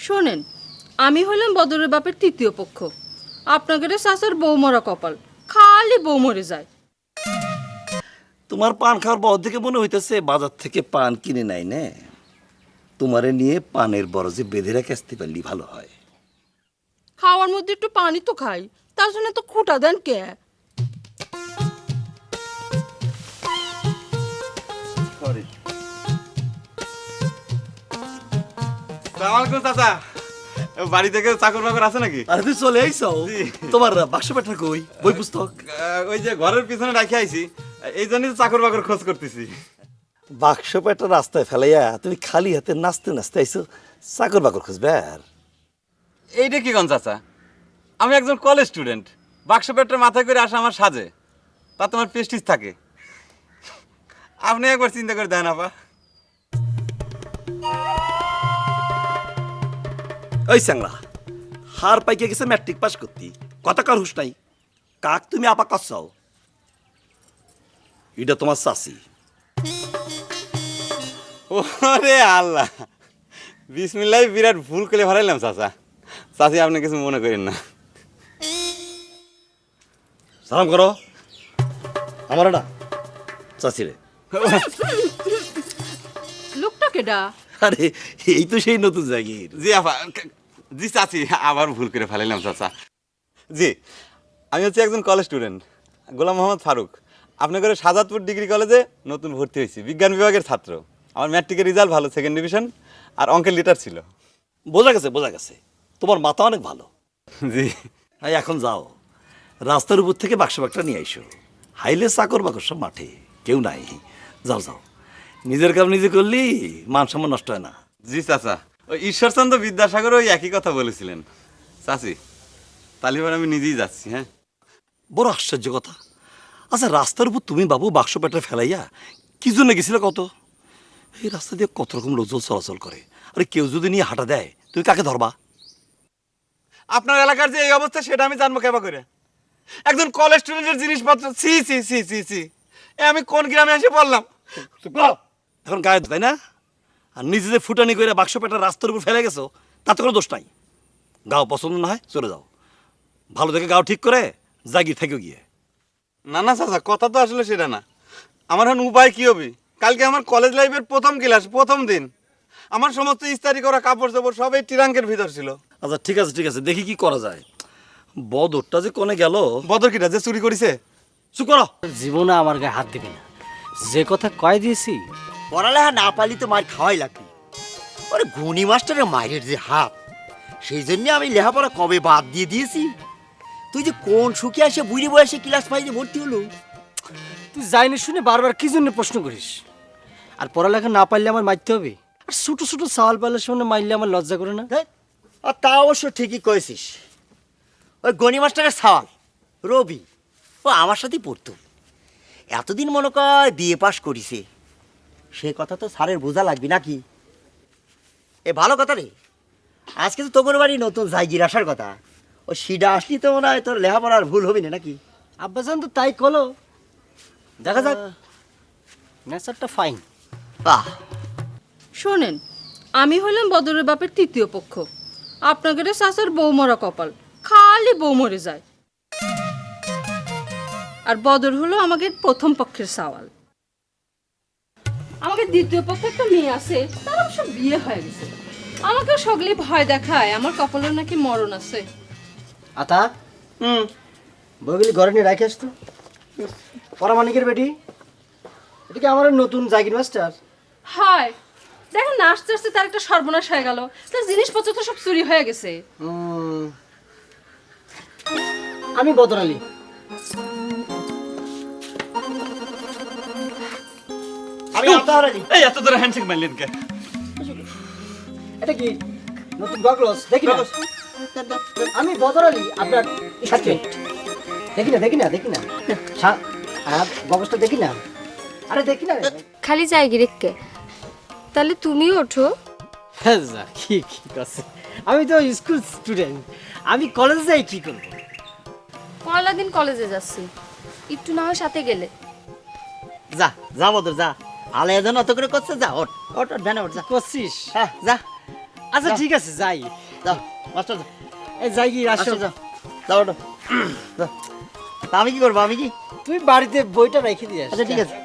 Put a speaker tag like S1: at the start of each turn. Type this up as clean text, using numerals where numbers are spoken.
S1: শোনেন, আমি হলাম বদরের বাপের তৃতীয় পক্ষ। আপনাদের চাচার বউ মরা কপাল, খালি বউ মরে যায়।
S2: তোমার পান খাওয়ার বড় দিকে মনে হইতেছে বাজার থেকে পান কিনে নাই না। তোমারে নিয়ে পানের বরজে বেঁধে রেখে আসতে পারলি ভালো হয়।
S1: খাওয়ার মধ্যে একটু পানি তো খাই, তার জন্য তো খুঁটা দেন কে?
S3: চাচা, বাড়ি থেকে চাকর বাকর আছে নাকি?
S2: আরে তুই চলে আইছো? তোমার বাক্স পেটা কই? বই পুস্তক?
S3: ওই যে ঘরের পিছনে রাখি আইছি, এই জন্যই চাকর বাকর খোঁজ করতেছি।
S2: বাক্স পেটা রাস্তায় ফেলাইয়া তুমি খালি হাতে নাচতে নাচতে আইছো চাকর বাকর খুঁজবে? আর
S3: এইটা কি কোন চাচা? আমি একজন কলেজ স্টুডেন্ট, বাক্স পেটটা মাথায় করে আসা আমার সাজে, তা তোমার প্রেস্টিজ থাকে। আপনি একবার চিন্তা করে দেন আপা।
S2: ওই স্যাংরা হার পাইকে গেছে ম্যাট্রিক পাস করতি, কথা কার হুশ নাই। কাক তুমি আপা কাছাও? এটা তোমার চাচি।
S3: ওরে আল্লাহ, বিসমিল্লাহ, বিরাট ভুল করে ফেলাইলাম চাচা। চাচি আপনি কিছু মনে করেন না।
S2: সালাম করো আমার না চাচি রে।
S1: লোকটা কেডা?
S2: আরে এই তো সেই নতুন জাগির।
S3: জি আপা, জি চাচি, আবার ভুল করে ফেলাইলাম চাচা। জি, আমি হচ্ছে একজন কলেজ স্টুডেন্ট, গোলাম মোহাম্মদ ফারুক। আপনাদের সাজাদপুর ডিগ্রি কলেজে নতুন ভর্তি হয়েছি, বিজ্ঞান বিভাগের ছাত্র। আমার ম্যাট্রিকের রেজাল্ট ভালো, সেকেন্ড ডিভিশন, আর অঙ্কের লিটার ছিল।
S2: বোঝা গেছে বোঝা গেছে, তোমার মাথা অনেক ভালো।
S3: জি।
S2: হ্যাঁ, এখন যাও রাস্তার উপর থেকে বাক্স বাক্সটা নিয়ে আইসো। হাইলে চাকর বাকর সব মাঠে, কেউ নাই। যাও যাও, নিজের কাম নিজে করলি মান সম্মান নষ্ট হয় না।
S3: জি চাচা, ওই ঈশ্বরচন্দ্র বিদ্যাসাগর ওই একই কথা বলেছিলেন। চাচি, তালিবান আমি নিজেই যাচ্ছি। হ্যাঁ,
S2: বড় আশ্চর্য কথা। আচ্ছা, রাস্তার উপর তুমি বাবু বাক্স পেটে ফেলাইয়া কি জন্য গেছিলে কত? এই রাস্তা দিয়ে কত রকম লোকজন চলাচল করে, আরে কেউ যদি নিয়ে হাঁটা দেয় তুমি কাকে ধরবা?
S3: আপনার এলাকার যে এই অবস্থা সেটা আমি জানবো কেবা করে? একজন কলেজ স্টুডেন্টের জিনিসপত্র, C C C C C, এ আমি কোন গ্রামে এসে পড়লাম?
S2: এখন গায়ে তাই না? আর নিজে যে ফুটানি করে বাক্স পেটা রাস্তার উপর ফেলে গেছো তাতে কোনো দোষ নাই। গাও পছন্দ না হয় চলে যাও, ভালো দেখে গাও ঠিক করে জাগির থেকে গিয়ে।
S3: না না চাচা, কথা তো আসলে সেটা না। আমার এখন উপায় কি হবে? কালকে আমার কলেজ লাইফের প্রথম ক্লাস, প্রথম দিন। আমার সমস্ত ইস্তারি করা কাপড় চোপড় সব এই ট্রাঙ্কের ভিতর ছিল।
S2: আচ্ছা ঠিক আছে ঠিক আছে, দেখি কি করা যায়। বদরটা যে কোনে গেল?
S3: বদর কিটা যে চুরি করেছে?
S2: চুপ করো।
S4: জীবনে আমার গায়ে হাত দিবি না, যে কথা কয় দিয়েছি।
S5: পড়ালেখা না পারলি তো মার খাওয়াই লাগবে। ওরে গণি মাস্টারের মায়ের যে হাত, সেই জন্য আমি লেখাপড়া কবে বাদ দিয়ে দিয়েছি। তুই যে কোন সুখে আসে বুড়ি বয়সে ক্লাস ফাইভে ভর্তি হলো।
S4: তুই যাইনি শুনে বারবার কি জন্য প্রশ্ন করিস? আর পড়ালেখা না পারলে আমার মারতে হবে? আর ছোট ছোট সওয়াল পাইলে সামনে মারলে আমার লজ্জা করে না?
S5: আর তা অবশ্য ঠিকই কয়েছিস। ওই গণি মাস্টারের সওয়াল রবি, ও আমার সাথেই পড়তো। এতদিন মনে কর বিএ পাস করিছে, সে কথা তো স্যারের বোঝা লাগবে নাকি? এ ভালো কথা রে। আজকে তো তোর বাড়ি নতুন জায়গির আসার কথা। ও সিডা আসলি তো মনে হয় তোর লেখাপড়ার ভুল হবি না নাকি?
S4: আব্বাজান তো তাই কলো, দেখা যাক। নেচারটা ফাইন।
S5: বাহ,
S1: শোনেন, আমি হলাম বদরের বাপের তৃতীয় পক্ষ। আপনাদের চাচার বউ মরা কপাল, খালি বউ মরে যায়। আর বদর হলো আমাদের প্রথম পক্ষের সওয়াল। আমাকে দ্বিতীয় পক্ষে একটা মেয়ে আছে, তার অবশ্য বিয়ে হয়ে গেছে। আমাকে সকলে ভয় দেখায়, আমার কপালে নাকি মরণ আছে।
S4: আতা, বইগুলি ঘরে নিয়ে রাখে আসতো। পরামানিকের বেটি, এটা কি আমার নতুন জাগির মাস্টার?
S1: হয় দেখেন না, আস্তে আস্তে তার একটা সর্বনাশ হয়ে গেল। তার জিনিসপত্র তো সব চুরি হয়ে গেছে।
S4: আমি বদর আলী।
S5: আমি আতাহার আলী।
S3: এই এত ধরে হ্যান্ডশেক মারলেন কে?
S4: এটা কি নতুন গগলস? দেখি না, আমি বদর আলী আপনার সাথে। দেখি না দেখি না দেখি না, গগলসটা দেখি না। আরে দেখি না।
S6: খালি যাই গিরেককে, তাহলে তুমিও ওঠো।
S4: হ্যাঁ যা, কি কি করছে? আমি তো স্কুল স্টুডেন্ট, আমি কলেজে যাই কি করব?
S6: পয়লা দিন কলেজে যাচ্ছি, একটু না হয় সাথে গেলে।
S5: যা যা বদর যা, আলাদা অত করে করছে। যা ওঠ ওঠ ওঠ, ভ্যানে ওঠ, যা
S4: করছিস?
S5: হ্যাঁ যা।
S4: আচ্ছা ঠিক আছে যাই।
S5: যাও মাস্টার যাও।
S4: এই যাই কি আসো।
S5: আচ্ছা, যাও যাও ওঠো। যাও। তা আমি কি করবো, আমি কি
S4: তুই বাড়িতে বইটা রেখে দিয়ে
S5: আচ্ছা ঠিক আছে